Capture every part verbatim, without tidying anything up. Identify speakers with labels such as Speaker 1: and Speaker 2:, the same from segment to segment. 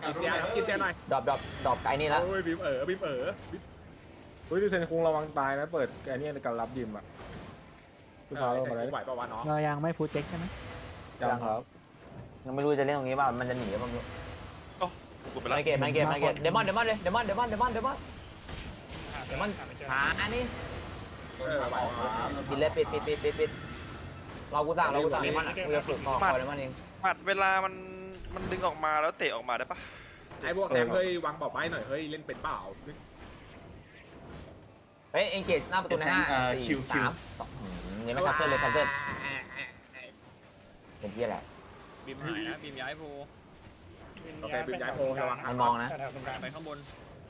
Speaker 1: เสียกินเสียหน่อย
Speaker 2: ดรอปดรอปดรอปไอ้นี่แล้ว
Speaker 1: โอ้ยบีมเอ๋อบีมเอ๋อ
Speaker 3: เฮ้ยดูเซนคุงระวังตายนะเปิดไอ้นี่ในการรับยิมอ่ะพี่พาเรามาเลย
Speaker 1: ไหวป่าวะน้อง
Speaker 4: เรายังไม่พูดเช็คใช่ไหม
Speaker 3: ยังครับ
Speaker 2: ยังไม่รู้จะเล่นตรงนี้ป่ะมันจะหนีป่ะไม่รู้
Speaker 5: กูไปแล้ว
Speaker 2: ไม่เกตไม่เกตไม่เกตเดมอนเดมอนเลยเดมอนเดมอนเดมอนเดมอนเดมอนหาอันนี้
Speaker 1: เออไหว
Speaker 2: ปิดเลยปิดปิดปิดปิดปิดเรากูสั่งเรากูสั่งเดมอนอ่ะกูจะฝึกคอคอเดมอนเอง
Speaker 5: หมัดเวลามันมันดึงออกมาแล้วเตะออกมาได้ปะ
Speaker 1: ไอ้พวกแนมเฮ้ยวางบอกไว้หน่อยเฮ้ยเล่นเป็นเปล่า
Speaker 2: เฮ้ยเอ็งเกตหน้าประตูในห้าสี่สามสองยังไม่คัพเซิลเลยคัพเซิลเป็นที่อะไร
Speaker 6: บีมหายนะบีมย้ายโพ
Speaker 1: โอเคบีมย้ายโพระวัง
Speaker 2: มันมองนะ
Speaker 6: แถวตรงกลางไปข้างบน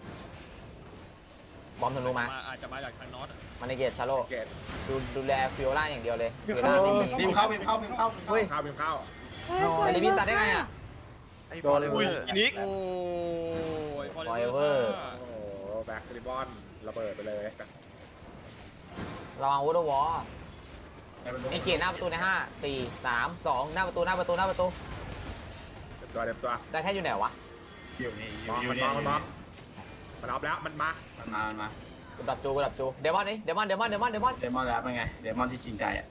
Speaker 2: บอมธนูมา
Speaker 6: อาจจะมาจากทางนอต
Speaker 2: มันในเกตชาโล
Speaker 1: เกต
Speaker 2: ดูดูแลฟิโอล่าอย่างเดียวเลยฟิโอล่าไม่มี
Speaker 7: บีมเข้าบีมเข้าบีมเข้า
Speaker 2: เฮ้ย
Speaker 1: ข้าวบีมข้าว
Speaker 2: ไอ้ลิบินตัดได้ไงอ่ะ
Speaker 3: โดนเลย
Speaker 5: อุ้ยอินิก
Speaker 6: โอ้ย
Speaker 2: Forever
Speaker 1: โอ้โหแบ็คริบบอนระเบิดไปเลย
Speaker 2: ระวังวูดวอลเอ็งเกตหน้าประตูในห้าสี่สามสองหน้าประตูหน้าประตูหน้าประตู
Speaker 1: เต็มตัวเต็มตัว
Speaker 2: ได้แค่อยู่ไหนวะ
Speaker 7: อยู่นี่อ
Speaker 1: มอง
Speaker 7: ยู่
Speaker 1: มัน
Speaker 7: นี่
Speaker 1: มองมันมองมันรับแล้วมันมา
Speaker 7: มันมามันมา
Speaker 2: กูดับจูกูดับจูเดมอนนี่เดมอนเดมอนเดมอนเดมอน
Speaker 7: เดมอนแล้วเป็นไงเดมอนที่จริงใจอ่ะ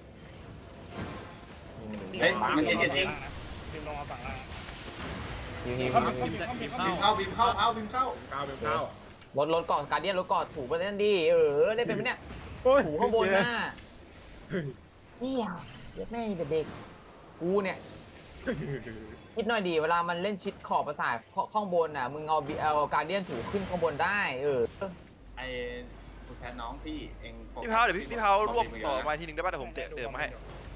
Speaker 2: เฮ้ย
Speaker 7: มันเย็นเย็นเอง
Speaker 6: บีมลงมาฝั่งล่าง
Speaker 2: ฮิวฮิว
Speaker 6: บีมบีม
Speaker 7: บีมเข้าบีมเข้าเอาบีมเข้า
Speaker 1: ข้าวบีมข้าว
Speaker 2: รถรถเกาะการเดียนรถเกาะถูกไปนั่นดีเออได้เป็นไหมเนี่ย
Speaker 3: โอ้ย
Speaker 2: ถูข้างบนหน้านี่อ่ะเด็กแม่มีแต่เด็กกูเนี่ยคิดหน่อยดีเวลามันเล่นชิดขอบประสาทข้างบนอ่ะมึงเอาเอาการเดียนถูขึ้นข้างบนได้เออ
Speaker 7: ไอ้คุณแทนน้องพี่เอง
Speaker 5: พี่เท้าเดี๋ยวพี่พี่เท้ารวบต่อมาทีนึงได้ป่ะเดี๋ยวผมเตะเติมมาให้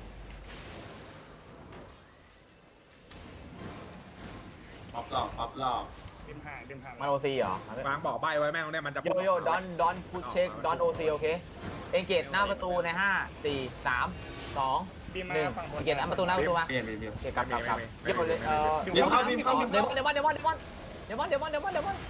Speaker 7: ป๊อปหลอกป๊อปหลอก
Speaker 6: บีมห่างบีมห่าง
Speaker 2: มันโอซีเหรอ
Speaker 1: วางบอกใบไว้แม่งเนี่ยมันจะ
Speaker 2: โยโย่ดอนดอนพุชเช็คดอนโอซีโอเคเอ็งเกตหน้าประตูในห้าสี่สามสอง
Speaker 6: บีมมา
Speaker 2: หนึ่ง
Speaker 6: ฝั่งบน
Speaker 2: เกตหน้าประตูหน้าประตูมา
Speaker 7: เปลี่ยนเปลี่ยนเปลี่ยน
Speaker 2: เกตกลับกลับกลับเดี๋ยวเลยเออ
Speaker 7: บีมเข้าบีมเข้าบีม
Speaker 2: เด
Speaker 7: เข้าม
Speaker 2: อนเดมอนเดมอนเดมอนเดมอนเดมอนเดมอนเดมอน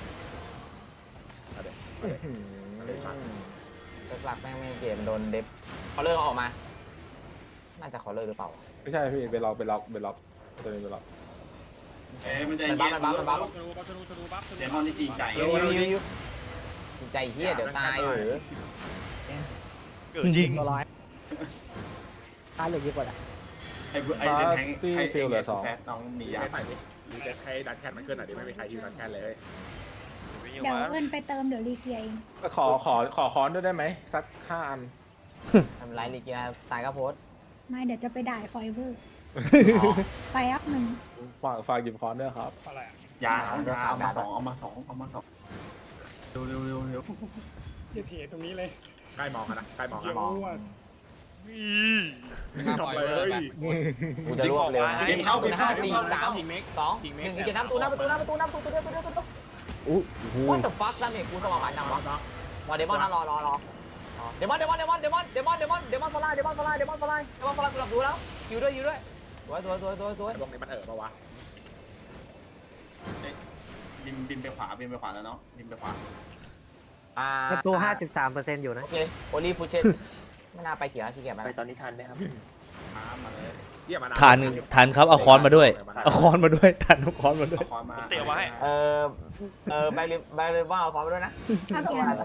Speaker 2: หลักแม่งไม่เกตมันโดนเดฟเขาเลิกออกมาน่าจะเขาเลิกหรือเปล่า
Speaker 3: ไม่ใช่พี่ไปล็อกไปล็อกไปล็อกตัวนี้ไปล็อก
Speaker 7: เอ้ยมันใจ
Speaker 2: มันบั
Speaker 7: เย็
Speaker 2: ฟ
Speaker 7: น
Speaker 2: มันบัฟมันบัฟ
Speaker 6: ธนูบัฟธนูธนูบัฟ
Speaker 7: เดมอนที่จริงใจ
Speaker 2: ยูยูยูยูใจเฮียเดี๋ยวตายเหรอ
Speaker 5: เกิดจริง
Speaker 4: ตัวร้อยค่าเหลือเยอะกว่าอ่ะ
Speaker 7: ไอ้ไอ้เดนแทงให้ไอ้แฟตน้องมียา
Speaker 1: ใส่ดิรีเซ็ตให้ดันแคนมันขึ้นหน่อยดิไม่มีใครยืนดันแคนเลย
Speaker 8: เดี๋ยวเอิญไปเติมเดี๋ยวรีเกียร์เอง
Speaker 3: ขอขอขอค้อนด้วยได้ไหมสักห้าอัน
Speaker 2: ทำไรลีเกียตายก็โพส
Speaker 8: ไม่เดี๋ยวจะไปด่าฟอยเวอร์ ไปอัพหนึ่ง
Speaker 3: ฝากฝากหยิบค้อนด้วยครับ
Speaker 6: อะไรอ่ะ
Speaker 7: ยาเอายาเอามาสองเอามาสองเอามาสองเร็วเร็วเร็วเร็ว
Speaker 6: เดี๋ยวเพจตรงนี้เลย
Speaker 1: ใกล้มองนะใกล้มอง
Speaker 6: เจียว
Speaker 1: นะ
Speaker 6: อ้วน
Speaker 1: ทำเลย
Speaker 2: กูจะรวบเร็วนะ
Speaker 7: บีมเข้าบีมเข้าบี
Speaker 2: สี่
Speaker 7: มเข้า
Speaker 2: สามสองหนึ่งเกตน้ำประตูหน้าประตูหน้าประตูหน้าประตูตัวเดียวตัวเดียวตัวเดียว
Speaker 3: อู้หู
Speaker 2: What the fuck ดาเมจกูสมองหายจังวะรอเดมอนนะรอรอรอเดมอนเดมอนเดมอนเดมอนเดมอนเดมอนเดมอนฟลายเดมอนฟลายเดมอนฟลายเดมอนฟลายกูหลับดูแล้วคิวด้วยคิวด้วยสวยสวยสวยสวยสวย
Speaker 1: ไอ้พวกนี้มันเอ๋อปะวะ
Speaker 7: บินบินไปขวาบินไปขวาแล้วเนาะบินไปขวา
Speaker 2: อ่า
Speaker 4: ประตูห้าสิบสามเปอร์เซ็นต์อยู่นะ
Speaker 2: โอเคโอลีฟูเชตไม่น่าไปเขียวขี้เกียจไปตอนนี้ทันไหมครับ
Speaker 7: ม้ามาเลย
Speaker 1: เยี่ยมมา
Speaker 9: ทานทานครับเอาค้อนมาด้วยเอาค้อนมาด้วยทานเอาค้อนมาด้วย
Speaker 7: เอาคอนมา
Speaker 5: เตะมาให้
Speaker 2: เออเออไปเลยไปเลยว่าเอาความไปด้วยนะ
Speaker 8: เอาเกียร์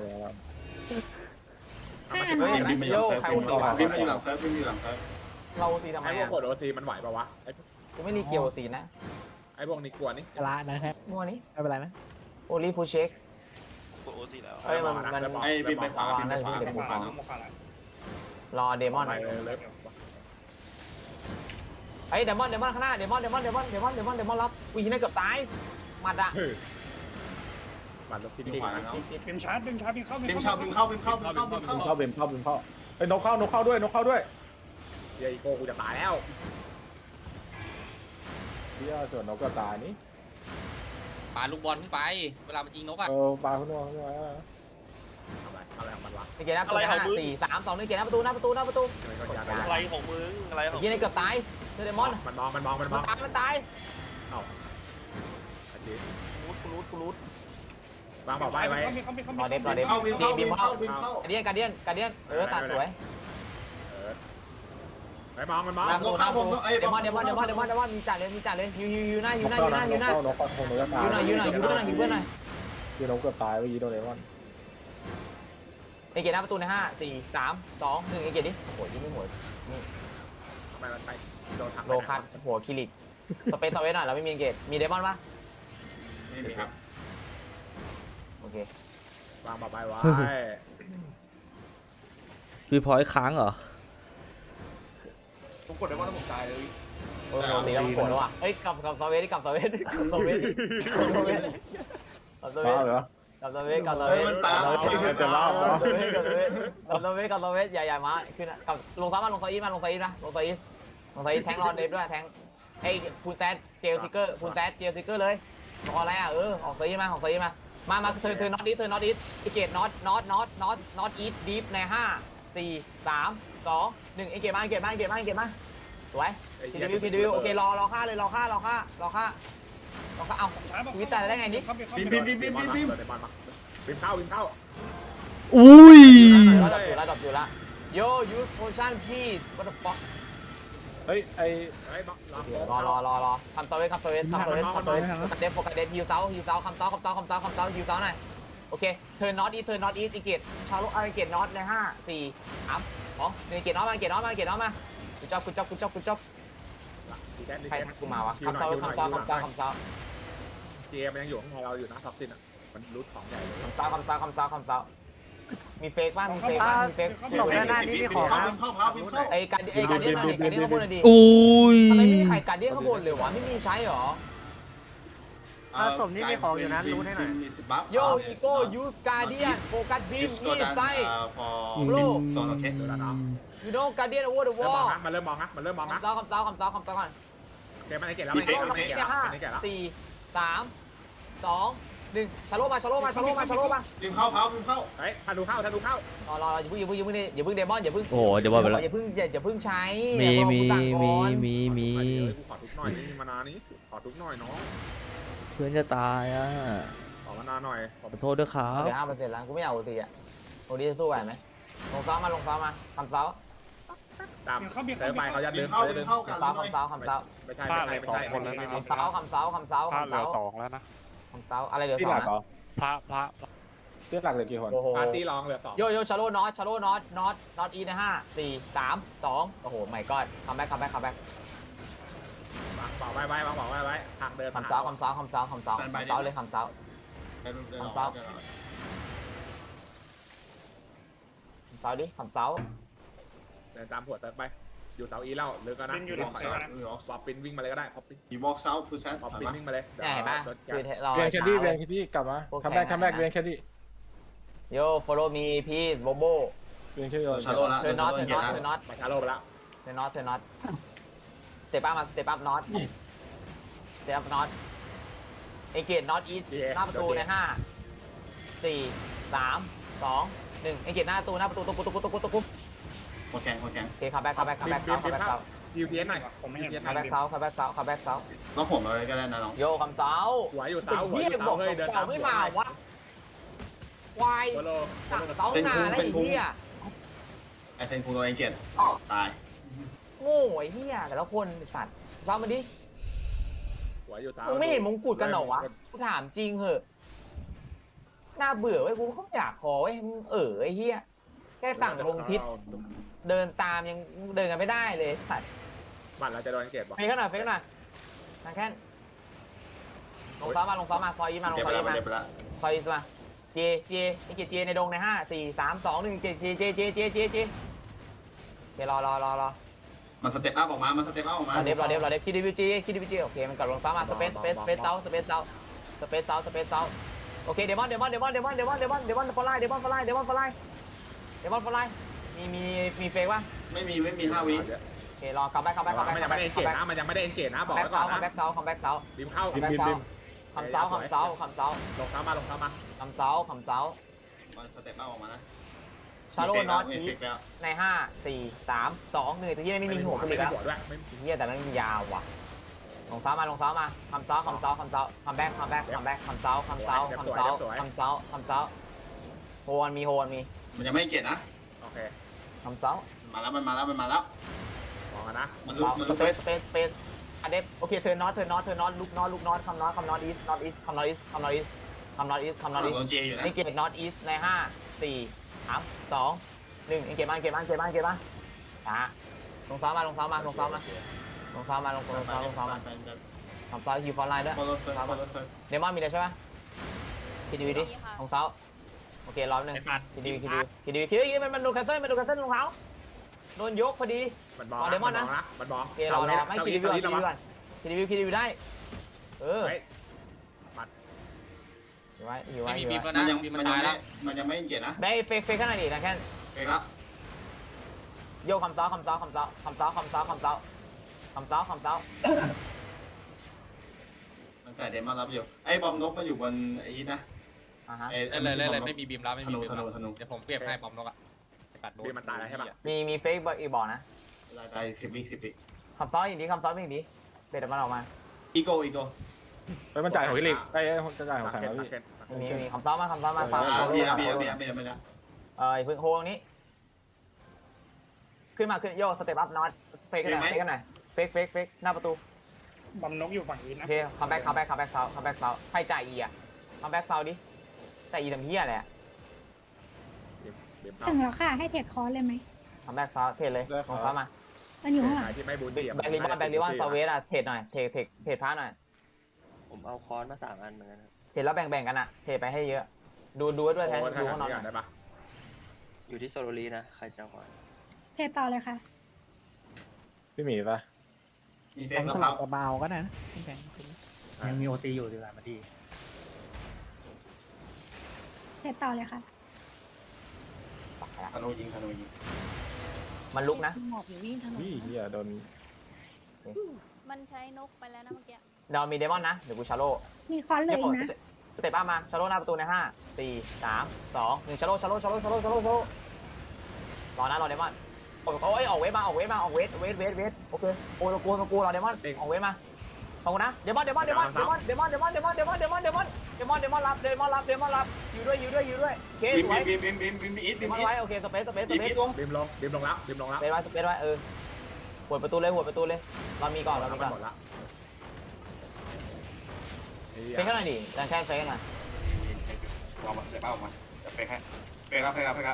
Speaker 8: ห้าอัน
Speaker 2: เฮ้ย
Speaker 7: บินไปอยู่หลังเซิร์ฟบินไปอยู่หลังเซิร์ฟบินไปอยู่หลังเซิร์ฟ
Speaker 2: เราซีทำไม
Speaker 1: ไอ้พวก
Speaker 2: อ่ะ
Speaker 1: กดโอซีมันไหวปะวะไอ้
Speaker 2: กูไม่รีเกียวซีนะ
Speaker 1: ไอ้พวกนี้กลัวนี่
Speaker 4: ชละนะครับ
Speaker 2: มัวนี้
Speaker 4: ไม่เป็นไรไหม
Speaker 2: โอลีฟูเชค
Speaker 5: กดโอซีแล้ว
Speaker 2: เอ้ยมันมัน
Speaker 7: ไอ้บินไปขวาบินไปขวา
Speaker 6: โมคาแล้วโมคาแล้ว
Speaker 2: รอเดมอน
Speaker 1: ไปเลยเลย
Speaker 2: ไอ้เดมอนเดมอนข้างหน้าเดมอนเดมอนเดมอนเดมอนเดมอนเดมอนรับวิ่งน่าเกือบตายมัดอะ
Speaker 1: มันลบที่
Speaker 7: บิน
Speaker 1: ดี
Speaker 7: ขวาแล้วเนาะ
Speaker 6: บีมชาร์จบีมชาร์จบีมเข้า
Speaker 7: บินเข้าบินเข้าบินเข้าบินเข้าบินเข้า
Speaker 3: เข้าเบมเข้าเบมเข้าไอ้นกเข้านกเข้าด้วยนกเข้าด้วย
Speaker 1: เฮียอีโก้กูจะตายแล้ว
Speaker 3: เฮียส่วนนกก็ตายนี่
Speaker 10: ปาลูกบอลขึ้นไป เวลามันยิงนกอ่ะ
Speaker 3: เออปลาขึ้นมาขึ้นมา
Speaker 1: ทำไรอะไรของมันวะ
Speaker 2: เกมหน้าประตูห้าสี่สามสองหนึ่งเกมหน้าประตูหน้าประตูหน้าประตู
Speaker 5: อะไรของมึงอะไรของ
Speaker 2: ยิงในเกือบตายเดมอน
Speaker 1: มันมองมันมองมันม
Speaker 2: มั
Speaker 1: อน ง
Speaker 2: ตายมันตายรูดกูรูดกูรูด
Speaker 1: วางบอกใบไว้
Speaker 6: บีมเข้าบีมเข้าร
Speaker 2: อเดฟรอเดฟ
Speaker 7: เข้าบินเข้าบินเข้าบินเข้า
Speaker 2: การเดียนการเดียนการเดียนเออตัดสวย
Speaker 1: เออไปไปมองมันมอง
Speaker 2: หน้าประตูหน้าประตูเดมอนเดมอนเดมอนเดมอนเดมอนมีจ่าเลยมีจ่าเลยยูยูยูหน้ายูหน้ายูหน้ายูหน้าน
Speaker 3: กเข้านกคงนกจะตาย
Speaker 2: ยูหน่อยยูหน่อยยูเพื่อนหน่อยยูเพื่อนหน่อย
Speaker 3: ยูนกเกือบตายเมื่อกี้โดนเลมอน
Speaker 2: เอเกตหน้าประตูในห้าสี่สามสองหนึ่งเอเกตดิโอ้ยยิงไม่หมดนี่
Speaker 1: ไปมันไปโดนทัก
Speaker 2: โลคัสหัวคิริกสเปซสเวทหน่อยเราไม่มีเกตมีเดมอนปะ
Speaker 7: ไม่มีครับ
Speaker 2: โอเคว
Speaker 1: างบอกไปไว้
Speaker 9: วีพอยต์ค้างเหรอ
Speaker 5: ผมกดได้ว่าผมตายเลย
Speaker 2: โอ้ยตีแล้วมันปวดแล้วว่ะเอ้ยกลับกลับสเวทดิกลับสเวทกลับสเวทกลับสเวทกลับสเว
Speaker 3: บ้า
Speaker 2: ท
Speaker 3: เหรอ
Speaker 2: กับสเวทกับสเวทกับสเวทกับสเวทกับสเวทกับสเวทกับสเวทใหญ่ๆมาขึ้นกับลงซ้ำมาลงไซอีมาลงไซอีนะลงไซอีลงไซอีแทงรอนเดฟด้วยแทงไอ้พูนแซดเจลซิกเกอร์พูนแซดเจลซิกเกอร์เลยรออะไรอ่ะเออออกไซอีมาออกไซอีมามามาเธอเธอน็อตดิเธอน็อตดิไอเกตน็อตน็อตน็อตน็อตน็อตอีทดีฟในห้าสี่สามสองหนึ่งไอเกตมาไอเกตมาไอเกตมาไอเกตมาสวยทีดีวิวทีดีวิวโอเครอรอค่าเลยรอค่ารอค่ารอค่ารอค่าเอาชีวิตตายได้ไงนี่
Speaker 7: บินบินบินบินบินบิน
Speaker 1: เดมอนมาบินเข้าบินเข้า
Speaker 9: อุ้ย
Speaker 2: ระดับอยู่ระดับอยู่ละโยยูสโพชั่นพี่วัตถุฟ็อก
Speaker 3: เฮ้ยไอ
Speaker 1: เฮ้ยรอ
Speaker 2: รอรอรอรอคำเซเวสคำเซเวสคำเซเวสคำเซเวสโฟกัสเดฟโฟกัสเดฟฮิวเซาฮิวเซาคำเซาคำเซาคำเซาคำเซาฮิวเซาหน่อยโอเคเทิร์นน็อตอีเทิร์นน็อตอีอีเกตชาร์โลอาร์เกตน็อตในห้าสี่สามสองหนึ่งเกตน็อตมาเกตน็อตมาเกตน็อตมากูจับกูจับกูจับกูจับใครทักกูมาวะคำเซาคำเซาคำเซาคำเซา
Speaker 1: เจมันยังอยู่ข้างในเราอยู่นะท็อปซินอ่ะมันรูทของใหญ่เลย
Speaker 2: คำเซาคำเซาคำเซาคำเซามีเฟกบ้างมีเฟกบ้างมีเฟก
Speaker 4: ตกด้านหน้านี่มีของ
Speaker 7: เข้า
Speaker 4: นะ
Speaker 7: บินเข้าเข้าบินเข้า
Speaker 2: ไอ้การไอ้การเดียนมาดิการเดียนข้างบนเลยดิ
Speaker 9: อุ้ย
Speaker 2: ทำไมไม่มีใครการเดียนข้างบนเลยวะไม่มีใช้หรอ
Speaker 4: ถ้าสมนี่มีของอยู่นะรู้ให้หน่อย
Speaker 7: มีสิบบัฟ
Speaker 2: โยอีโก้ยูสการเดียนโฟกัสบีมนี่ไซ
Speaker 7: พอ
Speaker 2: โล
Speaker 7: โซนโอเค
Speaker 1: ดูแล้วเนาะ
Speaker 2: ยูโน่การเดียนโอเวอร์เดอะว
Speaker 1: เริ่ม
Speaker 2: อ
Speaker 1: มอง
Speaker 2: ล
Speaker 1: นะมันเริ่มมองนะมันเริ่มมองนะ
Speaker 2: คำเซาคำเซาคำเซาคำเซาก่อน
Speaker 1: โอเคมันไอเกตแล้ว
Speaker 2: โอ
Speaker 1: มัน
Speaker 2: เค
Speaker 1: ไอ
Speaker 2: เรา
Speaker 1: เก
Speaker 2: เก
Speaker 1: ต
Speaker 2: ม
Speaker 1: แล้ว
Speaker 2: ห้า
Speaker 1: มันไอเกตแล้ว
Speaker 2: สี่สามสองหนึ่งชาโลมาชาโลมาชาโลมาชาโลมา
Speaker 7: บินเข้าเข้าบินเข้า
Speaker 1: เฮ้ยทันดูเข้าทันดูเข้าร
Speaker 2: อรออย่าเพิ่งอย่าเพิ่งอย่าเพิ่งอย่าเพิ่งเดมอนอย่าเพิ่ง
Speaker 9: โอ้โหเดี๋ยวว่าไปแล้ว
Speaker 2: อย่าเพิ่งอย่าอย่าเพิ่งใช้
Speaker 9: มีมีมีมีมี
Speaker 1: กูขอทุกหน่อยนี่มานานนี้ขอทุกหน่อยน้อง
Speaker 9: เพื่อนจะตายอ่ะ
Speaker 1: ขอมานานหน่อย
Speaker 9: ขอโทษด้วยครับ
Speaker 2: เหลือห้าเปอร์เซ็นต์แล้วกูไม่อยากโอตีอ่ะโอตีจะสู้ไหวไหมลงซ้อมมาลงซ้อมมาคำเซา
Speaker 1: ตามเดินไปเขาจะ
Speaker 7: บิ
Speaker 1: เดิ
Speaker 7: น
Speaker 1: น
Speaker 7: เข้า
Speaker 1: เขาจะ
Speaker 7: บิ
Speaker 1: เดิ
Speaker 7: น
Speaker 1: น
Speaker 7: เข้ากัน
Speaker 2: คำเซาคำเซาคำเซา
Speaker 1: ไม่ใช่ไม่ใช่ไม่ใช่ไม่ใช่
Speaker 2: คำเซาคำเซาคำเซา
Speaker 6: พลาด
Speaker 2: คำ
Speaker 6: เหลือ
Speaker 2: เซา
Speaker 6: สองแล้วนะ
Speaker 2: คำเซาอะไรเหลือ
Speaker 3: ที่
Speaker 2: สอ
Speaker 3: ห
Speaker 2: ง
Speaker 3: ลักเหร
Speaker 2: นะ
Speaker 3: อ
Speaker 6: พระพระ
Speaker 3: ที่หลักเหลือกี่คน
Speaker 2: โอ้โห
Speaker 1: ปาร์ตี้ร้องเหลือสอง
Speaker 2: โยโย่ชาโลน็อตชาโลน็อตน็อตน็อตอีในห้าสี่สามสองโอ้โหไม่ก็คัมแบ็คคัมแบ็คคัมแบ็คว
Speaker 1: างบอกไว้ไว้วางบอกไว้ไว้ทางเดิน
Speaker 2: คำเซาคำเซาคำเซาคำเซาคำเซาเลยคำเซาคำเซาดิคำเซา
Speaker 1: เดินตามหัวเติร์ไปอยู่เสาอีเล่าหรือก็นะ
Speaker 6: บินอยู่หลังเซฟนะ
Speaker 1: ปอบปินวิ่งมาเลยก็ได้ปอบปิน
Speaker 7: อีวอล์กเซาท์คือแซน
Speaker 1: ปอบปินวิ่งมาเลย
Speaker 2: เนี่ยเห็นปะคือเรา
Speaker 3: เวียนแคด
Speaker 2: ช้า
Speaker 3: ดี้เวี
Speaker 2: เว้
Speaker 3: ยน
Speaker 2: ย
Speaker 3: แคดดี้กลับมาคัมแบ็กคัมแบ็กเวียนแคดดี้
Speaker 2: โย่ follow me พี่โบโบ
Speaker 3: เวียนแคดดี้
Speaker 7: ชาโลละ
Speaker 2: เธอน็อตเธอน็อตเธอน็อต
Speaker 1: มาชาโลไปแล้ว
Speaker 2: เธอน็อตเธอน็อตเตะปั๊บมาเตะปั๊บน็อตเตะปั๊บน็อตเอเกตน็อตอีสหน้าประตูในห้าสี่สามสองหนึ่งเอเกตหน้าประตูหน้าประตูตุ๊กตุ๊กตุ๊กตุ๊กตุ๊ก
Speaker 7: หัวแข็งหัวแข็ง
Speaker 2: โอเคคัมแบ็คคัมแบ็คคัมแบ็คเซาคัมแบ็คเซา
Speaker 1: ยูทีเอสหน่อย
Speaker 6: ผมไม่เห็น
Speaker 2: คัมแบ็คเซาคัมแบ็คเซาคัมแบ็คเซา
Speaker 7: ต้องผมเลยก็ได้นะน้อง
Speaker 2: โยคำเซา
Speaker 1: หัวอยู่
Speaker 2: เป็น
Speaker 1: เสาหัว
Speaker 2: เฮี
Speaker 1: อย ยู่
Speaker 2: บ
Speaker 1: เสา
Speaker 2: อก
Speaker 1: เฮ้ยเดิน
Speaker 2: เสาไม่มาวะควาย
Speaker 1: โซโล
Speaker 2: สั่งเสาหน้าแล้วไอ้เหี้ย
Speaker 7: ไอเซนคูโรเอเกตตาย
Speaker 2: โง่ไอ้เหี้ยแต่ละคนสัตว์เซามาดิ
Speaker 1: หัวอยู่เสา
Speaker 2: มึงไม่เห็นมงกุฎกันเหรอวะกูถามจริงเหอะน่าเบื่อเว้ยกูเขาอยากขอเว้ยมึงเออไอ้เหี้ยแค่สั่งลงทิศเดินตามยังเดินกันไม่ได้เลยสัตว์
Speaker 1: บัตรเราจะโดนเกตบ่
Speaker 2: เฟกกันหน่อยเฟกกันหน่อยทางแค่นลงซ้อมมาลงซ้อมมาซอยอีมาลง
Speaker 7: เก็บ
Speaker 2: ซ
Speaker 7: ไป
Speaker 2: อย
Speaker 7: แล้ว
Speaker 2: อีมา
Speaker 7: เก็บไปแล้ว
Speaker 2: ซอยอีมาเจเจไอ้เจเจในดงในห้าสี่สามสองหนึ่งเจเจเจเจเจเจเจเจรอรอรอรอ
Speaker 7: มันสเต็ปอัพออกมามันสเต็ปอัพออกมาร
Speaker 2: อเดฟรอเดฟรอเดฟคิดดิวิจีคิดดิวิจีโอเคมันกลับลงซ้อมมาสเปซสเปซสเปซเซาสเปซเซาสเปซเซาสเปซเซาโอเคเดมอนเดมอนเดมอนเดมอนเดมอนเดมอนเดมอนฟอลไลเดมอนฟอลไลเดมอนฟอลไลเดมอนฟอลไลมีมีมีเฟกป่ะ
Speaker 7: ไม่มีไม่มีห้าวิ
Speaker 2: โอเครอคัมแบ็คคัมแบ็คคัมแบ็ค
Speaker 1: มันยังไม่ได้เอนเกตนะมันยังไม่ได้เอนเกตนะบอก
Speaker 2: แบ็ค
Speaker 1: ไว้ก่อ
Speaker 2: เซาน คัมแบ็
Speaker 1: นะ
Speaker 2: คเซาคัมแบ็คเซา
Speaker 1: บิมเข้า
Speaker 2: คัมแบ็คเซาคำเซาคำเซาคำเซา
Speaker 1: ลงเท้ามาลงเท้ามา
Speaker 2: คำเซาคำเซา
Speaker 7: มันสเต็ปอัพออกมานะ
Speaker 2: ชาโลน็อต
Speaker 7: เอฟเฟกต์แล้ว
Speaker 2: ในห้าสี่สามสองหนึ่งที่ไม่มีหัว
Speaker 1: ไม่
Speaker 2: ผลิ
Speaker 1: มี
Speaker 2: ตแล้ว
Speaker 1: หัวด้วยไม่
Speaker 2: เฮียแต่นั้นยาวว่ะลงเท้ามาลงเท้ามาคำเซาคำเซาคำเซาคัมแบ็คคัมแบ็คคัมแบ็คคำเซาคำเซาคำเซาคำเซาคำเซาโฮนมีโฮนมี
Speaker 7: มันยังไม่เกตนะ
Speaker 1: โอเค
Speaker 2: คำเซา
Speaker 7: มาแล้วมันมาแล้วมันมาแล้ว
Speaker 1: มองกันนะ
Speaker 7: มันลุกมัน
Speaker 2: ส
Speaker 7: ลุก
Speaker 2: เปซสเปซสเปซอันเดฟโอเคเธอนอตเธอนอตเธอนอตลุกนอตลุกนอตคำนอตคำนอตอีสนอตอีสคำนอตอีสคำนอตอีสคำนอตอีสคำนอตอีส
Speaker 7: โดนเจอยู่นะ
Speaker 2: เอ็งเกตนอตอีสในห้าสี่สามสองหนึ่งเอ็งเกตมาเอ็งเกตมาเอ็งเกตมาเอ็งเกตมาอ่ะลงซ้อมมาลงซ้อมมาลงซ้อมมาลงซ้อมมาลงลงซ้อมลงซ้อมมาทำซ้อมฮิวฟอนไลน์ด้วย
Speaker 7: ฟอลโล่เซอร์ฟอลโล่เซอร์
Speaker 2: เดมอนมีเลยใช่ไหมคิดดีดิลงซ้อมโอเครอบหนึ่ง
Speaker 10: ไอ้ปัด
Speaker 2: คิดดีคิดดีคิดดีคิดดีมันมันโดนแคนเซิลมันโดนแคนเซิลรองเท้าโดนยกพอดี
Speaker 1: มันบอก
Speaker 2: รอเดมอนนะ
Speaker 1: มันบอก
Speaker 2: โอเครอรอไม่คิดดีก่อนคิดดีก่อนคิดดีคิดดีได้เออ
Speaker 1: เฮ้ย
Speaker 2: อยู่ไว้อยู่ไว้
Speaker 10: ไม่
Speaker 2: อ
Speaker 10: มี
Speaker 2: ยู่
Speaker 10: บี
Speaker 2: ไว้
Speaker 10: มแล้ว
Speaker 7: มัน
Speaker 10: นะ
Speaker 7: ยัง
Speaker 10: บีม
Speaker 7: มั
Speaker 10: มัน น
Speaker 7: ยัง
Speaker 10: ตาย
Speaker 7: ไม่
Speaker 10: แล้ว
Speaker 7: มันยังไม่เกียรตินะ
Speaker 2: ได้เฟกเฟกขนาดนี้นะแค่
Speaker 7: เอกแล้ว
Speaker 2: โยกคำซ้อคำซ้อคำซ้อคำซ้อคำซ้อคำซ้อคำซ้อคำซ้อ
Speaker 7: มันใส่เดมอนรับอยู่ไอ้บอมนกมันอยู่บนไอ้นะ
Speaker 2: อ่าฮะ
Speaker 7: ไอ้
Speaker 10: เล่นเลยเล่นเลยไม่มีบีมแล้วไม่
Speaker 7: ธ
Speaker 10: มี
Speaker 7: นู
Speaker 10: บีม
Speaker 7: ธ
Speaker 10: แล้ว
Speaker 7: นูธนู
Speaker 10: เดี๋ยวผมเปรียบให้บอมนกอะไอ้ปัดโดน
Speaker 1: บีมมันตายแล้วใช่ปะ
Speaker 2: มีมีเฟกอีกบอกนะ
Speaker 7: ลายไปสิบวิสิบวิ
Speaker 2: คำซ้ออย่างนี้คำซ้ออย่างนี้เบ็ดมันออกมา
Speaker 7: อีโก้อีโก้
Speaker 3: ไปมันจ่ายของพี่ลิกไปจะจ่ายของแข่งแล้วพี่
Speaker 2: มีมีคำซ้อมาคำซ้อมาซ้อ
Speaker 7: อ่าเบียร์เบียร์เบียร์เบียร์ไม่ได้
Speaker 2: เออพึ่งโฮตรงนี้ ขึ้นมาขึ้นโยกสเต็ปอัพน็อตเฟกกันหน่อยเฟกกันหน่อยเฟกเฟกเฟกหน้าประตู
Speaker 6: บอมนกอยู่ฝั่งอีส
Speaker 2: โอ
Speaker 6: นะ
Speaker 2: เคคัมแบ็กคัมแบ็กคัมแบ็กเซาคัมแบ็กเซาใครจ่ายอีอ่ะคัมแบ็กเซาดิจ่ายอีทำเฮียอะไรอ่ะ
Speaker 1: บีม
Speaker 8: ถึงแล้วค่ะ ให้เทรดคอร์สเลยไหม
Speaker 2: คัมแบ็กเซาเทรดเลยลงซ้อมา
Speaker 8: มันอยู่ข้างหลัง
Speaker 1: ที่ไม่บูน
Speaker 2: แบ็กลิบอนแบ็กลิบอนซาเวสอ่ะเทรดหน่อยเทรดเทรดเทรดพาร์หน่อย
Speaker 11: ผมเอาค้อนมาสามอันเหมือนกันครับ
Speaker 2: เทรดแล้วแบ่งๆกันอ่ะเทรดไปให้เยอะ ดูดูด้วยแทนดูข้างนอกหน่อย
Speaker 1: ได้ปะ
Speaker 11: อยู่ที่โซโลลีนะ ใครจะเอาค้อน
Speaker 8: เทรดต่อเลยค่ะ
Speaker 3: พี่หมีปะ
Speaker 7: มีเฟ
Speaker 4: ผ
Speaker 7: ก
Speaker 4: ม
Speaker 7: ก
Speaker 4: ส
Speaker 7: ระ
Speaker 4: ลั
Speaker 7: เพรา
Speaker 4: บกับเบาก็ได้นะแข็งยังมีโอซีอยู่ดีกว่ามาดี
Speaker 8: เทรดต่อเลยค่ะ
Speaker 7: ธนูยิงธนูยิง
Speaker 2: มันลุกนะ
Speaker 8: หมอบอยู่วิ่งถนน
Speaker 3: พี่เฮียโดน
Speaker 12: มันใช้นกไปแล้วนะเมื่อกี้
Speaker 2: เดี๋ยวมีเดมอนนะเดี๋ยวกูชาโล
Speaker 8: มีคอนเลยอีกนะ
Speaker 2: สเต็ปอัพมาชาโลหน้าประตูในห้าสี่สามสองหนึ่งชาโลชาโลชาโลชาโลชาโลชาโลรอนะรอเดมอนโอ้ยออกเวทมาออกเวทมาออกเวทเวทเวทเวทโอเคโอ้ตะกูตะกูรอเดมอนออกเวทมาขอบคุณนะเดมอนเดมอนเดมอนเดมอนเดมอนเดมอนเดมอนเดมอนเดมอนเดมอนเดมอนเดมอนรับเดมอนรับเดมอนรับอยู่ด้วยอยู่ด้วยอยู่ด้วยโอเค
Speaker 7: บิม
Speaker 2: สวย
Speaker 7: บิมบิมบิมบิมบิมอีท
Speaker 2: เด
Speaker 7: บิม
Speaker 2: มอน
Speaker 7: อีท
Speaker 2: ไว้โอเคสเปซสเปซส
Speaker 7: บิม
Speaker 2: เป
Speaker 7: อี
Speaker 2: ซ
Speaker 7: ทลง
Speaker 1: บีมลงบีมลงแล้วบีมลงแล้ว
Speaker 2: สเปซไว้สเปซไว้เออหัวประตูเลยหัวประตูเลยเรามีก่อนเรามีก่อน
Speaker 1: หมดละ
Speaker 2: เฟกหน่อยดิแต่แค่เฟกหน่อย
Speaker 7: ออกมาเดี๋ยวป้าออกมาจะเฟกให้เฟกครับเฟกครับเฟกครับ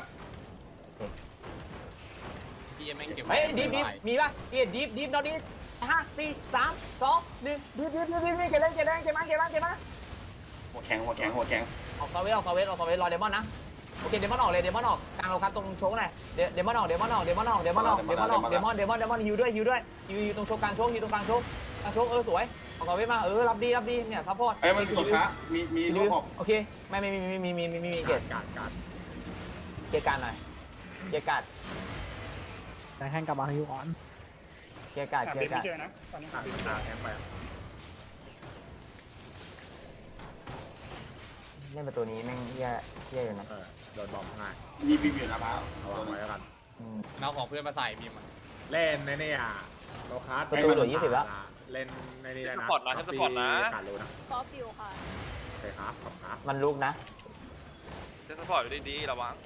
Speaker 10: พี่แม่งเก็บ
Speaker 2: เฮ้ยดิฟดิฟมีป่ะเกียร์ดิฟดิฟนอดิฟห้าสี่สามสองหนึ่งดิฟดิฟดิฟดิฟเก็บเลยเก็บเลยเก็บมาเก็บมาเก็บมา
Speaker 7: หัวแข็งหัวแข็งหัวแข็ง
Speaker 2: ออกซาเวสออกซาเวสออกซาเวสรอเดมอนนะโอเคเดมอนออกเลยเดมอนออกกลางเราครับตรงโชว์หน่อยเดมอนออกเดมอนออกเดมอนออกเดมอนออกเดมอนออกเดมอนเดมอนเดมอนฮิวด้วยฮิวด้วยฮิวฮิวตรงโชว์กลางโชว์ฮิวตรงกลางโชว์กลางโชว์เออสวยออกซาเวสมาเออรับดีรับดีเนี่ยซัพพอร์ต
Speaker 7: เอ้ยมันกดช้ามีมีลูกออก
Speaker 2: โอเคไม่ไม่มีมีมีมีมีมีมีเกียร์
Speaker 1: การการ
Speaker 2: เกียร์การหน่อยเกียร์การ
Speaker 4: แต่แข่งกับบาฮิวอ่อน
Speaker 2: เกียร์การ
Speaker 6: หา
Speaker 2: เกี
Speaker 6: เบ
Speaker 2: ย
Speaker 6: ส
Speaker 2: ร์การ
Speaker 6: ไม่เจอนะ ตอนนี้
Speaker 1: ตา
Speaker 6: หาเบสไม่เจ
Speaker 1: ตา
Speaker 6: อ
Speaker 1: แทงไป
Speaker 2: เล่นประตูนี้แม่งแย่แย่อยู่นะ
Speaker 1: เออโดนบอมง่าย
Speaker 7: มีบิมอยู่นะบ้า
Speaker 1: เอาวางไว้แล้วกัน
Speaker 10: เอาของเพื่อนมาใส่บีมอะ
Speaker 1: เล่นในนี่อ่ะโลคัสเล่นในนี่ได้นะการรู้นะ
Speaker 12: ฟอฟิวค่ะ
Speaker 1: โอเคครับขอบครับ
Speaker 2: มันลุกนะ
Speaker 5: เซตสปอร์ตอยู่ดีๆระวัง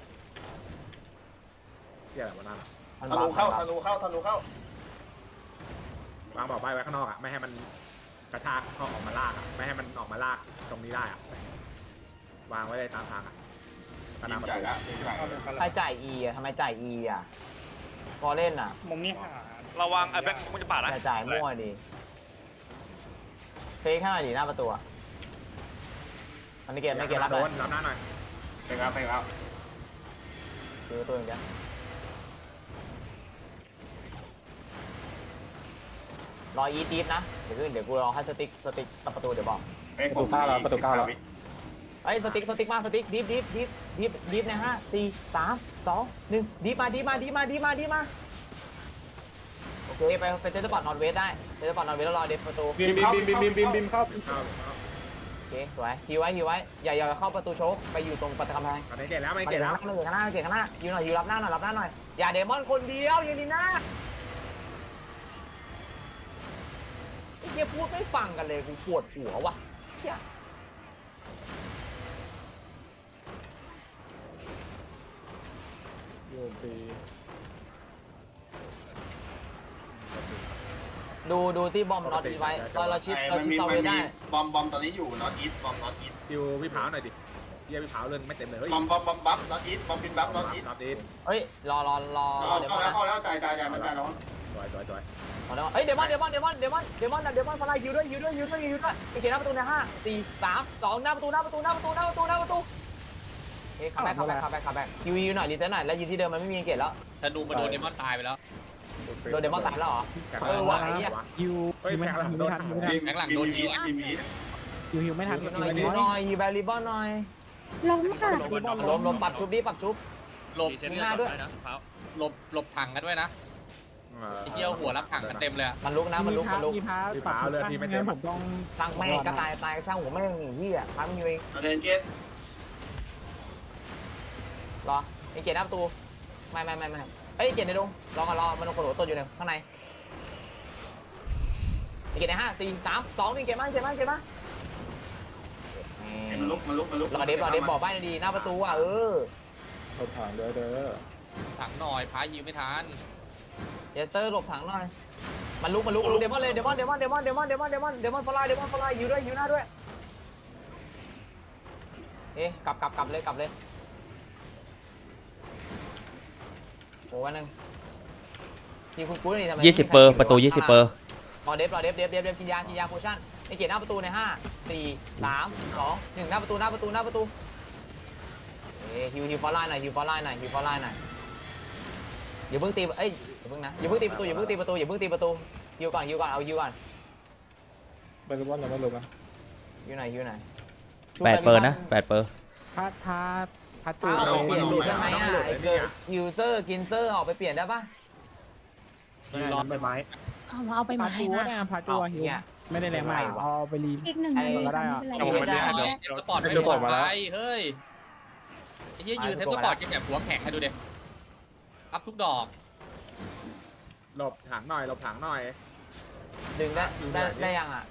Speaker 1: เที่ยอะไรวะนั่น
Speaker 2: มัน
Speaker 7: ธนูเข้าธนูเข้าธนูเข้าว
Speaker 1: างบอกใบไว้ข้างนอกอ่ะไม่ให้มันกระชากเข้าออกมาลากอ่ะไม่ให้มันออกมาลากตรงนี้ได้อ่ะวางไว้เลยตามทางอ่ะกระ
Speaker 7: ยิ
Speaker 1: นำ
Speaker 7: ง
Speaker 1: ประ
Speaker 7: จ่าย
Speaker 1: ตู
Speaker 7: ละยิงจ่าย
Speaker 6: เอาเลยกัน
Speaker 2: ใครจ่ายอีอ่ะทำไมจ่ายอีอ่ะพอเล่นอ่ะ
Speaker 6: มุมนี้หา
Speaker 5: ระวังไอ้แบ็คมึงจะปาดนะ
Speaker 2: จ่ายจ่ายมั่วดิเฟคแค่หน่อยดิหน้าประตูอ่ะมันไม่เกตไม่เกตรับ
Speaker 1: โด
Speaker 2: เลย
Speaker 1: นรับหน้าหน่อย
Speaker 7: เฟกครับเฟกครับ
Speaker 2: คือประตูอย่างเดียวรออีทีฟนะเดี๋ยวเดี๋ยวกูรอให้สติ๊กสติ๊กตัดประตูเดี๋ยวบอก
Speaker 7: เฟกผมเก้าแล้วประตูเก้าแล้ว
Speaker 2: ไอ้สติ๊กสติ๊กมาสติ๊กดิฟดิฟดิฟดิฟดิฟในห้าสี่สามสองหนึ่งดิฟมาดิฟมาดิฟมาดิฟมาดิฟมาโอเคไปไปเซตปอร์ตนอร์เวสได้เซตปอร์ตนอร์เวสแล้วรอเดฟประตู
Speaker 3: บิมบิมบิมบิมบิมบิมเข้า
Speaker 1: เข้า
Speaker 2: โอเคสวยฮิวไว้ฮิวไว้อย่าอย่าเข้าประตูโชกไปอยู่ตรงประตูกำแพง
Speaker 1: ตอนนี้เกตแล้วไม่
Speaker 2: ไม่
Speaker 1: เก
Speaker 2: เก่
Speaker 1: ต
Speaker 2: ง
Speaker 1: แล้ว
Speaker 2: ไม่เก่งข้างหน้าเก่งข้างหน้ายืนหน่อยยืนรับหน้าหน่อยรับหน้าหน่อยอย่าเดมอนคนเดียวยืนดีหน้าไอ้เหี้ยพูดไม่ฟังกันเลยกูปวดหัวว่ะเหี้ย
Speaker 3: โยนตี
Speaker 2: ดูดูที่บอมน็อตไว้เราเราชิดเราชิดเซาเวได้
Speaker 7: บอมบอมตอนนี้อยู่นอตอีสบอมนอตอีส
Speaker 1: คิวพี่เผาหน่อยดิเฮียพี่เผาเรื่องไม่เต็มเลยเฮ้ย
Speaker 7: บอมบอมบอมบัฟนอตอีสบอมบินบัฟนอตอีส
Speaker 1: รอบนี้
Speaker 2: เฮ้ยรอรอรอ
Speaker 7: เข้า
Speaker 2: เดี๋ยว
Speaker 7: แล้ว
Speaker 2: มา
Speaker 7: เข้าแล้วจ่ายจ่ายจ่ายมันจ่ายแล้ว
Speaker 1: สวยสวยสวย
Speaker 2: เฮ้ยเดมอนเดมอนเดมอนเดมอนเดมอนเดมอนฟลายยูด้วยยูด้วยยูด้วยยูด้วยไอเกตหน้าประตูในห้าสี่สามสองหน้าประตูหน้าประตูหน้าประตูหน้าประตูหน้าประตูเฮ้ยคัมแบ็คคัมแบ็คคัมแบ็คคัมแบ็คยูยูหน่อยรีเซ็ตหน่อยแล้วยืนที่เดิมมันไม่มีเกตแล้ว
Speaker 10: ธนูมาโดนเดมอนตายไปแล้ว
Speaker 2: โดนเดมอนตายแล้วเหรอ
Speaker 1: แข่ง
Speaker 2: เออว่ะไอ้เหี้ย
Speaker 4: ยู
Speaker 1: เฮ้ย
Speaker 4: ยูไม่
Speaker 1: แข่ง
Speaker 4: ทั
Speaker 1: หลั
Speaker 4: น
Speaker 1: ง
Speaker 4: ยู
Speaker 1: โด
Speaker 4: ไม่
Speaker 1: น
Speaker 4: ทันยูไม่ทัน
Speaker 10: แข่งหลังโดนยิง
Speaker 7: บีบี
Speaker 4: ยูฮิวไม่ทัน
Speaker 2: ยูหน่อยยูหน่อยยูแบริบอนหน่อย
Speaker 8: ล้มค่ะ
Speaker 2: ล้มล้มปรับชุบดิปรับชุบ
Speaker 10: หลบ
Speaker 2: มีหน้าด้วย
Speaker 10: หลบหลบถังกันด้วยนะไอ้เหี้ยหัวรับถังกันเต็มเลยอะ
Speaker 2: มันลุกนะมันลุกมันลุก
Speaker 4: มีพาปรับงั้นผมต้อง
Speaker 2: ตั้งแม่งกระต่ายตายช่างผมไม่ยังหนีที่อ่ะพังอยู่เอง
Speaker 7: เดนเกต
Speaker 2: รอไอเกตหน้าประตูไม่ไม่ไม่ไม่เอ้ยเกตในดงรอก่อนรอมันโดนกระโดดตัวอยู่ในข้างในไอเกตในห้าสี่สามสองนี่เกตมากเกตมากเกตมาก
Speaker 7: มันลุกมันลุกมันลุก
Speaker 2: รอเดฟรอเดฟบอกใบ้ดีหน้าประตูอ่ะเออ
Speaker 3: เขาถางเด้อเด้อ
Speaker 10: ถังหน่อยพายิงไม่ทัน
Speaker 2: เดสเตอร์หลบถังหน่อยมันลุกมันลุกลุกเดมอนเลยเดมอนเดมอนเดมอนเดมอนเดมอนเดมอนเดมอนฟลายเดมอนฟลายอยู่ด้วยอยู่หน้าด้วยเอ๊ะกลับกลับกลับเลยกลับเลยโอ้วันนึงทีคุณกุ้ยนี่ทำไม
Speaker 9: ยี่สิบเปอร์ประตูยี่สิบเปอร์
Speaker 2: รอเดฟรอเดฟเดฟเดฟเดฟกินยากินยาโพชั่นไอเกตหน้าประตูในห้าสี่สามสองหนึ่งหน้าประตูหน้าประตูหน้าประตูเอ้ฮิวฮิวฟอลไลน์หน่อยฮิวฟอลไลน์หน่อยฮิวฟอลไลน์หน่อยอย่าเพิ่งตีเอ้ยอย่าเพิ่งนะอย่าเพิ่งตีประตูอย่าเพิ่งตีประตูอย่าเพิ่งตีประตูฮิวก่อนฮิวก่อนเอาฮิวก่อน
Speaker 3: ไปรู้ว่าเราไม่รู้นะ
Speaker 2: ฮิวหน่อยฮิวหน่อย
Speaker 9: แปดเปอร์นะแปดเปอร์
Speaker 4: พาพาพาจู
Speaker 2: เอาเปลี่ยนดูได้ไหมอ่ะไอเกิร์ยูเซอร์กินเซอร์ออกไปเปลี่ยนได้ปะ
Speaker 3: ร้อนใบไม้
Speaker 8: เอาเอาไป
Speaker 4: พา
Speaker 8: มา
Speaker 4: จู
Speaker 8: ให้
Speaker 4: ก็
Speaker 8: นะ
Speaker 4: ได้พาจูฮิวไม่ได้แรงมากเอาไปรี
Speaker 8: อีกหนึ่งนาทีค่ะไม่เป็นไร
Speaker 10: เทปสปอร์ตไม่ปลอดภัยเฮ้ยไอ้เหี้ยยืนเทปสปอร์ตจะแบบหัวแข็งให้ดูเด็อัพทุกดอก
Speaker 1: หลบถังหน่อยหลบถังหน่อย
Speaker 2: ดึงได้ได้ได้ยังอ่ะ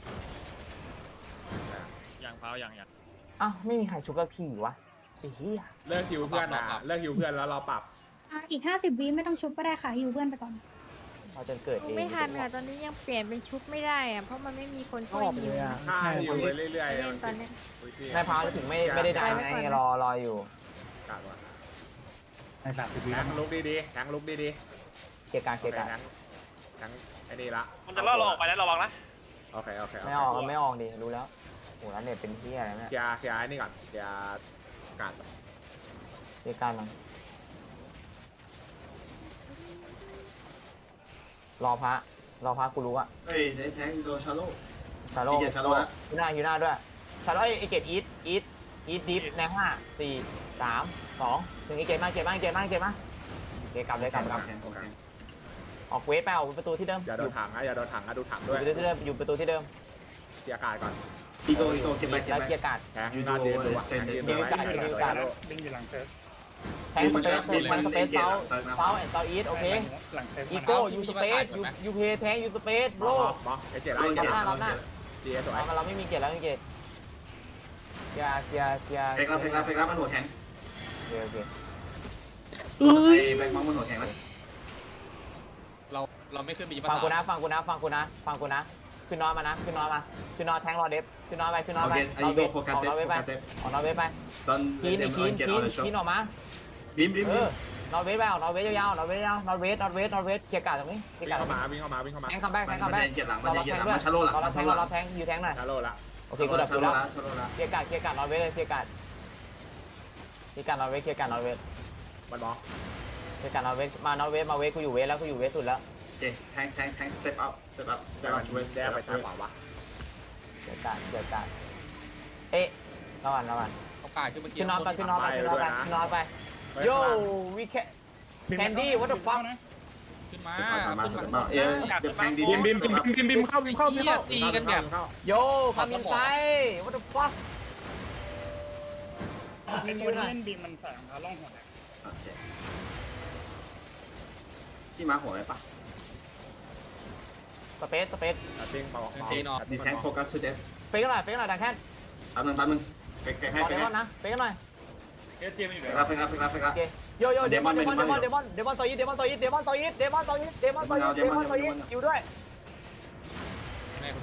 Speaker 10: อย่างเผาอย่างอย่าง
Speaker 2: อ้าวไม่มีใครชุบสักทีวะไอ้เหี้ย
Speaker 1: เลิกฮิวเพื่อนนะเลิกฮิวเพื่อนแล้วเราปรับ
Speaker 8: อ่ะอีกห้าสิบวิไม่ต้องชุบก็ได้ค่ะฮิวเพื่อนไปก่อน
Speaker 2: เราจนเกิดเอง
Speaker 12: ไม่ทันค่ะตอนนี้ยังเปลี่ยนเป็นชุบไม่ได้อะเพราะมันไม่มีคน
Speaker 4: ก็
Speaker 12: ช่วย
Speaker 4: ออกไป
Speaker 12: ยิ
Speaker 4: เล
Speaker 12: ง
Speaker 4: ยอ่ะ
Speaker 1: ฆ่าฮิวไปเรื่อย
Speaker 12: ไป
Speaker 1: ๆ
Speaker 12: เล่นตอนเนี้ย
Speaker 2: ได้พาวถึงไม่ไม่ได้ได้ไงรอรออยู่
Speaker 1: กาดว่ะ
Speaker 6: ในสามสิบวิ
Speaker 1: แทงลุกดีๆแทงลุกดี
Speaker 2: เกียร์การ
Speaker 1: ๆ
Speaker 2: เกียร์การ
Speaker 1: แทงแทงไอ้นี่ละ
Speaker 5: มันจะล่อเราออกไปแล้วระวังนะ
Speaker 1: โอเคโอเค
Speaker 2: ไม่ออกไม่ออกดิรู้แล้วโหแล้วเนี่ยเป็นที่อะไรเนี่ย
Speaker 1: เคลียร์เคลียร์ไอ้นี่ก่อนเคลียร์กาด
Speaker 2: เกียร์การมันรอพระรอพระกูรู้อะ
Speaker 7: เฮ้ยได้แทงโดนชาโล
Speaker 2: ชาโล
Speaker 7: เกียร์ชาโลละ
Speaker 2: ยูหน้ายูหน้าด้วยชาโลไอเกตอีทอีทอีทดิฟในห้าสี่สามสองถึงไอเกตมาเกตมาเกตมาเกตมาเกตกลับเลยกลับกลับ
Speaker 7: แทงแทง
Speaker 2: ออกเวทไปออกประตูที่เดิม
Speaker 1: อย่าโดนถังนะอย่าโดนถังนะดูถัง
Speaker 2: อ
Speaker 1: ด้
Speaker 2: ยู่
Speaker 1: วย
Speaker 2: ประตูที่เดิมอยู่ประตูที่เดิม
Speaker 1: เคลียร์กาดก่อน
Speaker 7: อีโก้อีโก้เก็บไปเก็บ
Speaker 2: แล้ว
Speaker 7: ไป
Speaker 2: เกียร์การ์ด
Speaker 1: แทงหน้าเดียวดูอ่ะแทงยืน
Speaker 6: ดึ
Speaker 1: ดู
Speaker 6: ง
Speaker 1: ไว้
Speaker 6: อยู่หลังเซิร์ฟดึงอยู่หลังเซิร์ฟ
Speaker 2: แทงสเปซแทงสเปซเซาเซาแอนด์เซาอีทโอเค
Speaker 6: หลังเซิร์ฟ
Speaker 2: อีโก้ยูสเปซยูยูเพย์แทงยูสเปซโบร
Speaker 1: บอสไอ้เจ็ด
Speaker 7: โด
Speaker 1: ไอ้
Speaker 7: น
Speaker 1: เจ็
Speaker 7: เก็
Speaker 1: ด
Speaker 7: บ
Speaker 2: เราหน้า
Speaker 1: เจียสวย
Speaker 2: เราเราไม่มีเกียร์แล้วไม่มีเกียร์เกียร์เกียร์เกียร์
Speaker 7: เฟกแล้วเฟกแล้วเฟกแล้วมันหัวแข็ง
Speaker 2: โอเคโอเค
Speaker 7: ไอ้แบงค์มังมันหัวแข็งแล้ว
Speaker 10: เราเราไม่ขึ้นบี
Speaker 2: ฟังกูนะฟังกูนะฟังกูนะฟังกูนะขึ้นนอนมานะขึ้นนอนมาขึ้นนอนแทงรอเดฟขึ้นนอนไปขึ้นนอน
Speaker 7: โอ
Speaker 2: ไป
Speaker 7: เคไอ้อีโก้โฟกัสเต็ม
Speaker 2: ออกนอน
Speaker 7: โฟ
Speaker 2: ไป
Speaker 7: กัสเต็ม
Speaker 2: ออกนอนไป
Speaker 7: ตอน
Speaker 2: กิน
Speaker 7: เต็
Speaker 2: อี
Speaker 7: ม
Speaker 2: กกิน
Speaker 7: เก็ต
Speaker 2: กิ
Speaker 7: ออน เดอะช็อ
Speaker 2: กินออกมา
Speaker 7: บิมบิม
Speaker 2: เออนอนเวทไปออกนอนเวทยาวๆนอนเวทยาวนอนเวทนอนเวทนอนเวทเกียร์การ์ดตรงนี้เกีย
Speaker 1: วิ่
Speaker 2: ร์
Speaker 1: ง
Speaker 2: การ์ด
Speaker 1: เข้ามาวิ่งเข้ามาวิ่งเข้ามา
Speaker 2: แทงคัมแบ็กแท
Speaker 7: มัน
Speaker 2: งคัม
Speaker 7: มัน
Speaker 2: แบ็ก
Speaker 7: เก็ตหลังมัน
Speaker 2: รอ
Speaker 7: เก็ต
Speaker 2: แท
Speaker 7: หลั
Speaker 2: ง
Speaker 7: ง
Speaker 2: ด้ว
Speaker 7: มั
Speaker 2: ย
Speaker 7: นชาโลหลัง
Speaker 2: รอ
Speaker 7: มัน
Speaker 2: แท
Speaker 7: ชาง โล
Speaker 2: ร
Speaker 7: หลั
Speaker 2: อง แทงอยู่แทงหน่อย
Speaker 1: ชาโลละ
Speaker 2: โอเคกูดับ
Speaker 7: ชา
Speaker 2: กู
Speaker 7: โล
Speaker 2: แล้ว
Speaker 7: ละชาโลละ
Speaker 2: เกียร์การ์ดเกียร์การ์ดนอนเวทเลยเกียร์การ์ดเกียร์การ์ดนอนเวทเกียร์การ์ดนอนเวท
Speaker 1: มันบอก
Speaker 2: เกียร์การ์ดนอนเวทมานอนเวทมาเวทกูอยู่เวทแล้วกูอยู่เวทสุดแล้ว
Speaker 7: โอเคแทงแทงแทงสเต็ปอัพสเต็ปอัพส
Speaker 1: แต่
Speaker 7: เต็ปอั
Speaker 1: มั
Speaker 7: พ
Speaker 1: น
Speaker 7: เว้ย
Speaker 1: แย่ไปทางขวาวะ
Speaker 2: เกียร์การ์ดเกียร์การ์ดเอ๊ะระวังระวัง
Speaker 10: เขากายขึ้นมาเกีย
Speaker 2: ขึ้นนอนไปขึ้นนอนไปขึ้นนอนไปขึ้นนอนไปโย่วิแคแคนดี้วัตถุฟัง
Speaker 10: ขึ้นมา
Speaker 7: มาสเต็ปอัพเอ๊ะเดี๋ยวแทงดี
Speaker 3: บิมบิมบิมบิมบิมเข้าบิมเข้าบิมเข้า
Speaker 10: ตีกันแบบ
Speaker 2: โย่คามินไซวัตถุฟัง
Speaker 6: ไอ้ตัวที่เล่นบีมมันใส่รองเท้าล่องหัวนะ
Speaker 7: โอเคที่มาหัวไหมปะ
Speaker 2: สเปซสเปซ
Speaker 1: ติ้งเบา
Speaker 7: มีแทงโฟกัสทูเดฟ
Speaker 2: เฟกหน่อยเฟกหน่อยดังแค่
Speaker 7: แป๊บนึงแป๊บนึงเฟกเฟกให้
Speaker 2: ขอ
Speaker 7: เฟ
Speaker 2: เด
Speaker 7: ก
Speaker 2: ม
Speaker 7: ให้
Speaker 2: อนนะเฟกหน่อย
Speaker 7: เฟกแล้วเฟกแล้วเฟกแล้วเฟกแล้ว
Speaker 2: โอเคโยโย่เดมอนเดมอนเดมอนเดมอนเดมอนโซยิดเดมอนโซยิดเดมอนโซยิดเดมอนโซยิดเดมอนโซยิดเดมอนโซยิดอยู่ด้วย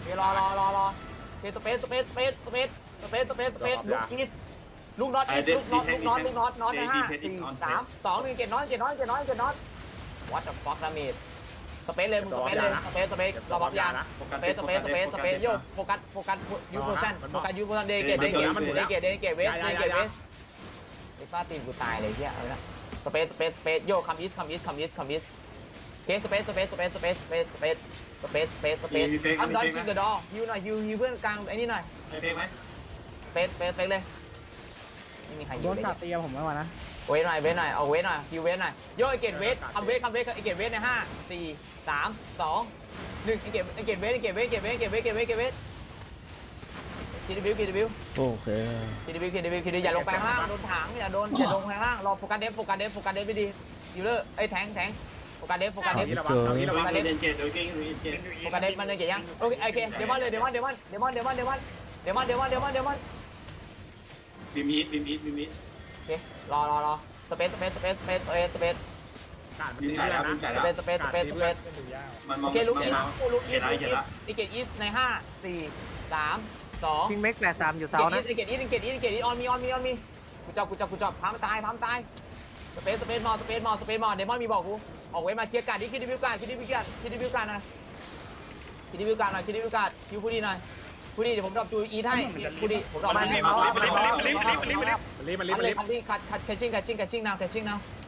Speaker 2: เดี๋ยวรอรอรอรอเสเปซสเปซสเปซสเปซสเปซสเปซสเปซลูกอีทลูกน็อตลูกน็อตลูกน็อตลูกน็อตน็อตนะห้าสี่สามสองหนึ่งเจ็ดน็อตเจ็ดน็อตเจ็ดน็อตเจ็ดน็อต what the fuck ดาเมจสเปซเลยมึงสเปซเลยสเปซสเปซรอบัฟยานะสเปซสเปซสเปซสเปซโยโฟกัสโฟกัสยูโพชั่นโฟกัสยูโพชั่นเดเกตเดเกตเดเกตเดเกตเวสเดเกตเวสไอ้ป้าตีนกูตายเลยเฮียเอาละสเปซสเปซสเปซโยคัมอิสคัมอิสคัมอิสคัมอิสเคสสเปซสเปซสเปซสเปซสเปซสเปซสเปซสเปซสเปซอันดอนกินเดอะดอยูหน่อยยูยูเพื่อนกลางไอ้นี่หน่อย
Speaker 7: ไอ้เฟกไหม
Speaker 2: สเปซสเปซสเปซเลยไม่มีใครอ
Speaker 4: โด
Speaker 2: ยู่
Speaker 4: น
Speaker 2: เลย
Speaker 4: ตัดเตียผมไม่มานะ
Speaker 2: เวทหน่อยเวทหน่อยเอาเวทหน่อยคิวเวทหน่อยโยไอเกตเวทคัมเวทคัมเวทไอเกตเวทในห้าสี่สามสองหนึ่งไอเกตไอเกตเวทไอเกตเวทไอเกตเวทไอเกตเวทไอเกตเวทไอเกตเวทคิดดิบิวคิดดิบิว
Speaker 9: โอเค
Speaker 2: คิดดิบิวคิดดิบิวคิดดิอย่าลงไปข้างล่างโดนถังอย่าโดนอย่าลงไปข้างล่างรอโฟกัสเดฟโฟกัสเดฟโฟกัสเดฟไปดียูเลอร์ไอแทงแทงโฟกัสเดฟโฟกัสเดฟ
Speaker 1: นี้ระวังตรงนี้ระวัง
Speaker 7: โดนเจ็ดโดนเก่งโดนเจ็ด
Speaker 2: โฟกัสเดฟมันเลยเกี่ยยังโอเคโอเคเดมอนเลยเดมอนเดมอนเดมอนเดมอนเดมอนเดมอนเดมอนเดมอนเดมอน
Speaker 7: บิมอีทบิมอีทบิมอีท
Speaker 2: โอเครอรอรอสเปซสเปซสเปซสเปซสเปซสเปซ
Speaker 1: ขาดมัน
Speaker 7: บิม
Speaker 1: ตี
Speaker 7: จ่าย
Speaker 1: เพื่อ
Speaker 7: แล้ว
Speaker 1: น
Speaker 7: บิมจ่าย
Speaker 1: นะ
Speaker 7: แล้ว
Speaker 2: สเปซสเปซสเปซสเปซ
Speaker 6: เป็นดูยาก
Speaker 7: มันม
Speaker 2: โอ
Speaker 7: อง
Speaker 2: เคลุก
Speaker 7: มัน
Speaker 2: อีท
Speaker 7: มอง
Speaker 2: ลุกอี
Speaker 7: เห็
Speaker 2: ท
Speaker 7: นแล้วเห็นแล้ว
Speaker 2: ไอเกตอีทในห้าสี่สามสอง
Speaker 4: พิงเม็กแปดสามอยู่
Speaker 2: เก
Speaker 4: เสา
Speaker 2: ตอี
Speaker 4: นะ
Speaker 2: ทเกตอีทเกตอีทเกตอีทออนมีออนมีออนมีกูจับกูจับกูจับพามตายพามตายสเปซสเปซมอสเปซมอสเปซมอเดมอนมีบอกกูออกเว้มาเคลียร์การ์ดดิคิดดิวิวการ์ดคิดดิวิวการ์ดคิดดิวิวการ์ดนะคิดดิวิวการ์ดหน่อยคิดดิวิวการ์ดคิวพูดีหน่อยพูดีเดี๋ยวผมดรอปจูอีทให้พูดีผมดรอป
Speaker 5: มัน
Speaker 2: ให้
Speaker 5: รีบมันรีบมันรีบมันรีบมันรีบมันรีบ
Speaker 1: มันรีบมันรีบมันรีบ
Speaker 2: คัตติ้งคัตคัตแคชชิ่งแคชชิ่งแคชชิ่งนาวแคชชิ่งนาว